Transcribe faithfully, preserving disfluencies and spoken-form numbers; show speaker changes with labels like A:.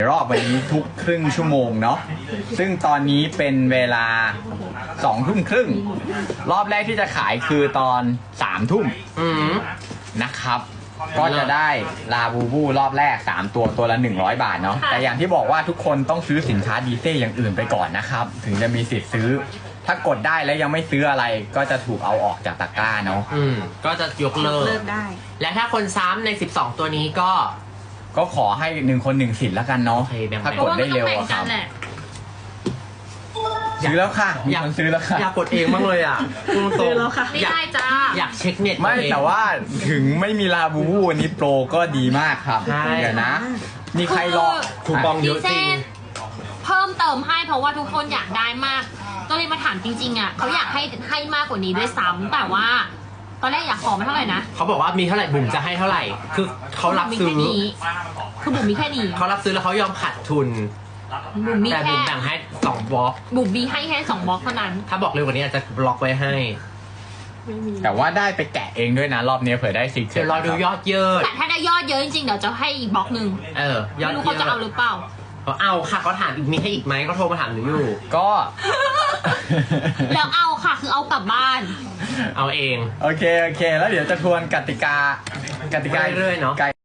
A: รอบวันนี้ทุกครึ่งชั่วโมงเนาะซึ่งตอนนี้เป็นเวลาสองทุ่มครึ่งรอบแรกที่จะขายคือตอนสามทุ่มนะครับก็จะได้ลาบูบูรอบแรกสามตัวตัวละหนึ่งร้อยบาทเนาะแต่อย่างที่บอกว่าทุกคนต้องซื้อสินค้าดีเซ่อย่างอื่นไปก่อนนะครับถึงจะมีสิทธิ์ซื้อถ้ากดได้แล้วยังไม่ซื้ออะไรก็จะถูกเอาออกจากตะกร้าเนาะ
B: อืมก็จะยกเลิก
C: เลิกได้
B: และถ้าคนซ้ำในสิบสองตัวนี้ก็
A: ก็ขอให้หนึ่งคนหนึ่งสิทธิ์แล้วกันเนาะ
B: โอเคแบ่งๆ
A: ถ้ากดได้เร็วอะครับซื้อแล้วค่ะมีคนซื้อแล้วค่ะ
B: อยากกดเองบ้างเลยอ่ะพูดตรง
C: ซื้อแล้วค่ะ
B: ๆ
D: ไม่
B: อยาก
D: ได้จ้า
B: อยากเช็คเน็ต
A: ไม่
B: เอง
A: แต่ว่าถึงไม่มีลาบูบูวันนี้โปรก็ดีมากครับ
B: ใช่
A: เดี๋ยวนะ มีใครรอ
B: คูปองเยอะจริง
D: เพิ่มเติมให้เพราะว่าทุกคนอยากได้มากก็เลยมาถามจริงๆอ่ะเขาอยากให้ให้มากกว่านี้ด้วยซ้ำแต่ว่า ตอนแรกอยากขอมาเท่าไหร่นะ
B: เขาบอกว่ามีเท่าไหร่บุ๋มจะให้เท่าไหร่ คือเขารับ
D: มี
B: ซื้อ
D: แค่นี้คือบุ๋มมีแค่นี้
B: เขารับซื้อแล้วเขายอมขาดทุน
D: บุ๋มมี
B: แต่
D: แค่
B: บุ๋มแบ่งให้สองบล็อก
D: บุ๋มมีให้แค่สองบล็อกเท่านั้น
B: ถ้าบอกเร็วกว่านี้อาจจะบล็อกไว้ให้
C: ไม่มี
A: แต่ว่าได้ไปแกะเองด้วยนะ รอบนี้เผื่อได้ซิกเจ็
B: เดี๋ยวรอดูยอดเยอะ
D: แต่ถ้าได้ยอดเยอะจริงๆเดี๋ยวจะให้อีกบล็อกหนึ่ง
B: เออยอด
D: ไม่รู้
B: เย
D: เขา
B: อะ
D: จะเอาหรือเปล่า
B: เขาเอาค่ะเขาถามอีกมีให้อีกไหมเขาโทรมาถามหนูอยู่
A: ก็
D: แล้วเอาค่ะคือเอากลับบ้าน
B: เอาเอง
A: โอเค โอเค แล้วเดี๋ยวจะทวนกติกากติกา
B: เรื่อยๆเนอะ
A: ก